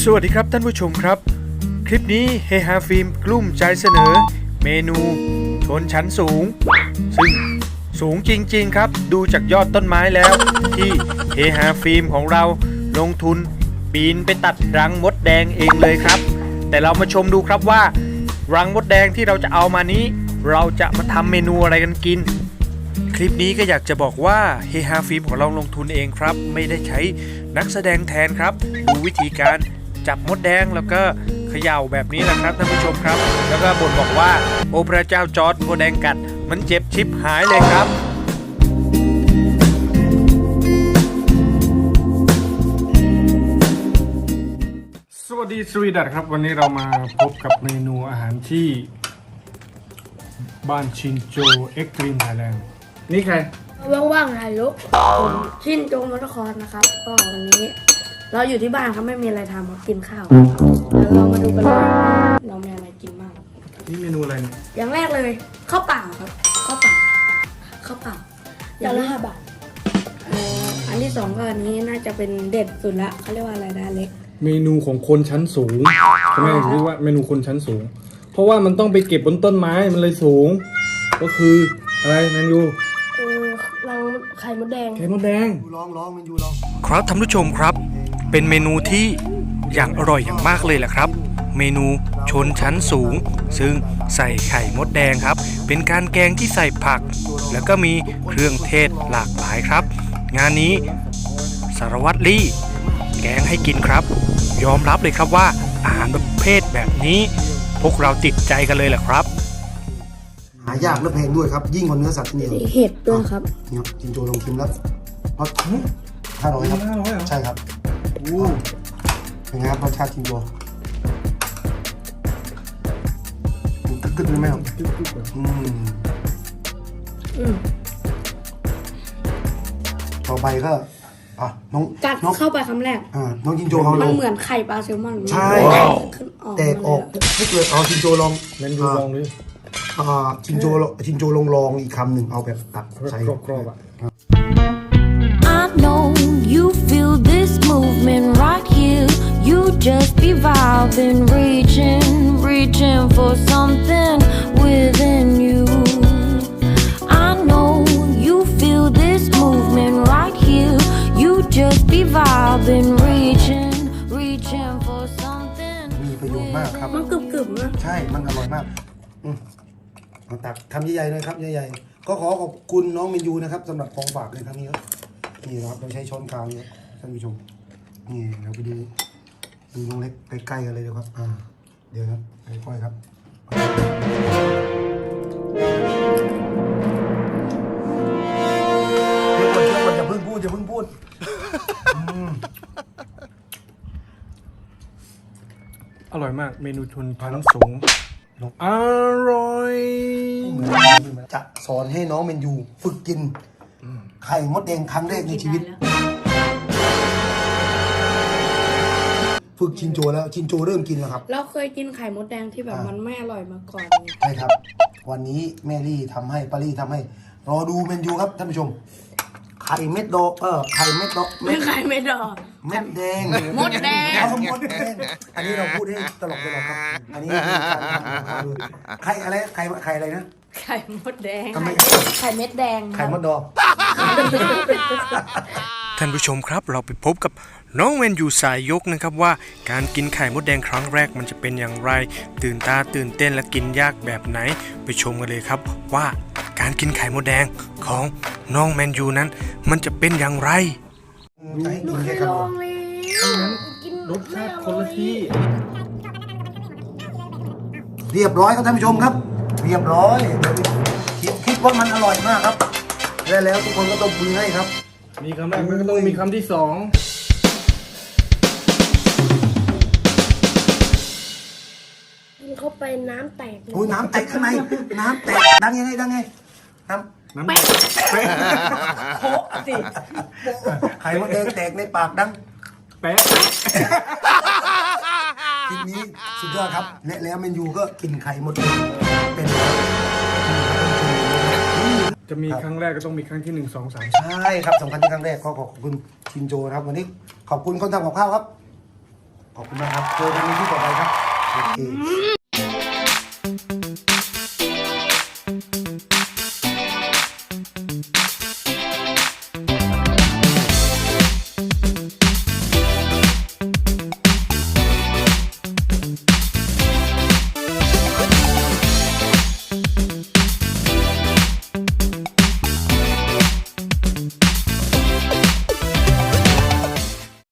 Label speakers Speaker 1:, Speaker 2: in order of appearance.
Speaker 1: สวัสดีครับท่านผู้ชมครับคลิปนี้เฮฮาฟิล์มกลุ้มใจเสนอเมนูชนชั้นสูงซึ่งสูงจริงๆครับดูจากยอดต้นไม้แล้วที่เฮฮาฟิล์มของเราลงทุนปีนไปตัดรังมดแดงเองเลยครับแต่เรามาชมดูครับว่ารังมดแดงที่เราจะเอามานี้เราจะมาทำเมนูอะไรกันกินคลิปนี้ก็อยากจะบอกว่าเฮฮาฟิล์มของเราลงทุนเองครับไม่ได้ใช้นักแสดงแทนครับดูวิธีการจับมดแดงแล้วก็เขย่าแบบนี้แหละครับท่านผู้ชมครับแล้วก็บ่นบอกว่าโอ้พระเจ้าจอร์จมดแดงกัดมันเจ็บชิบหายเลยครับ
Speaker 2: สวัสดีสวีดัตครับวันนี้เรามาพบกับเมนูอาหารที่บ้านชินโจเอ็กตรีมไทยแลนด์นี่ใคร
Speaker 3: ว่างๆถ่ายรูปผมชินโจมอเตอร์คอร์สนะครับก็วันนี้เราอยู่ที่บ้านครับไม่มีอะไรทำครับกินข้าวแล้วเรามาดูกันว่าเรามีอะไรกินบ้าง
Speaker 2: นี่เมนูอะไรเนี่ย
Speaker 3: อย่างแรกเลยข้าวเปล่าครับข้าวเปล่าอย่างละ5 บาทอันที่สองก็อันนี้น่าจะเป็นเด็ดสุดละเขาเรียกว่าอะไรนะเล็ก
Speaker 2: เมนูของคนชั้นสูงทำไมถึงเรียกว่าเมนูคนชั้นสูงเพราะว่ามันต้องไปเก็บบนต้นไม้มันเลยสูงก็คืออะไรแมนยู
Speaker 3: รังไข่มดแดง
Speaker 1: ลองมันอยู่ลองครับท่านผู้ชมครับเป็นเมนูที่อย่างอร่อยอย่างมากเลยแหละครับเมนูชนชั้นสูงซึ่งใส่ไข่มดแดงครับเป็นการแกงที่ใส่ผักแล้วก็มีเครื่องเทศหลากหลายครับงานนี้สารวัตรลี่แกงให้กินครับยอมรับเลยครับว่าอาหารประเภทแบบนี้พวกเราติดใจกันเลยแหละครับ
Speaker 4: หายากและแพงด้วยครับยิ่งกว่าเนื้อสัตว์เนี่ย
Speaker 3: เห็ดด้วยครับ
Speaker 4: เนี่ยจินโจลองชิมแล้วรส500ครับใช่ครับเป็นไงครับรสชาติจินโจกึดๆเลยไหมครับต่อไปก็น้อง
Speaker 3: กัดเข้าไปคำแรก
Speaker 4: น้องจินโจมัน
Speaker 3: เหมือนไข่ปลาแซลมอน
Speaker 4: ใช่แตกออกไม่เกิดจินโจลอง
Speaker 2: แมนยูลองดิ
Speaker 4: จินโจลองอีกคำหนึ่งเอาแบบตักใส่
Speaker 2: กรอบ
Speaker 5: I know you feel this movement right here. You just be vibing, reaching for something within you. I know you feel this movement right here. You just be vibing, reaching for something.
Speaker 4: มีประโยชน์มากครับ
Speaker 3: มันกรึบๆนะ
Speaker 4: ใช่มันอร่อยมากตักทำใหญ่ๆเลยครับใหญ่ๆก็ขอบคุณน้องเมนยูนะครับสำหรับของฝากในครั้งนี้ครับนี่นะครับเราใช้ช้อนกลางเนี่ยท่านผู้ชมนี่เราไปดูน้องเล็กใกล้ๆกันเลยนะครับเดี๋ยวครับค่อยๆครับเดี๋ยวก่อนอย่าเพิ่งพูด
Speaker 2: อร่อยมากเมนูชนชั้นสูงอร่อย
Speaker 4: จะสอนให้น้องเมนยูฝึกกินไข่มดแดงครั้งแรกในชีวิตฝึกชินโจแล้วชินโจเริ่มกินแล้วครับ
Speaker 3: เราเคยกินไข่มดแดงที่แบบมันไม่อร่อยมาก่อน
Speaker 4: ใช่ครับวันนี้แม่ลี่ทำให้ป้าลี่ทำให้รอดูเมนยูครับท่านผู้ชมไข่เม็ดดอกไข่เม็ดดอก
Speaker 3: ไม่ไข่เม็ดดอก
Speaker 4: เม็ดแดง
Speaker 3: มดแดง
Speaker 4: อันนี้เราพูดให้ตลกครับอันนี้ไข่อะไรไข่อะไรนะ
Speaker 3: ไข่มดแดงไข่เม็ดแดง
Speaker 4: ไข่มดดอก
Speaker 1: ท่านผู้ชมครับเราไปพบกับน้องเวนยูสายยกนะครับว่าการกินไข่มดแดงครั้งแรกมันจะเป็นอย่างไรตื่นตาตื่นเต้นและกินยากแบบไหนไปชมกันเลยครับว่าการกินไข่มดแดงของน้องแมนยูนั้นมันจะเป็นอย่างไร
Speaker 3: ลูกเคยลองเลย
Speaker 2: รสชาติคนละที่
Speaker 4: เรียบร้อยครับท่านผู้ชมครับเรียบร้อยคิดว่ามันอร่อยมากครับแล้วทุกคนก็ต้องมือให้ครับ
Speaker 2: มีคำแรกก็ต้องมีคำที่2
Speaker 3: กินเข้าไปน้ำแตก
Speaker 4: โอ้ยน้ำแตกข้างในน้ำแตกดังยังไงน้ำ
Speaker 3: แป๊ะโผล่สิ
Speaker 4: ไข่มดแดงแตกในปากดัง
Speaker 2: แป๊ะ
Speaker 4: ทีนี้สุดยอดครับแล้วเมนยูก็กินไข่มดแดงเป็น
Speaker 2: จะมีครั้งแรกก็ต้องมีครั้งที่1 2 3
Speaker 4: ใช่ครับสำคัญที่ครั้งแรกขอบคุณชินโจครับวันนี้ขอบคุณคนทำกับข้าวครับขอบคุณมากครับเจอกันในที่ต่อไปครับโอเค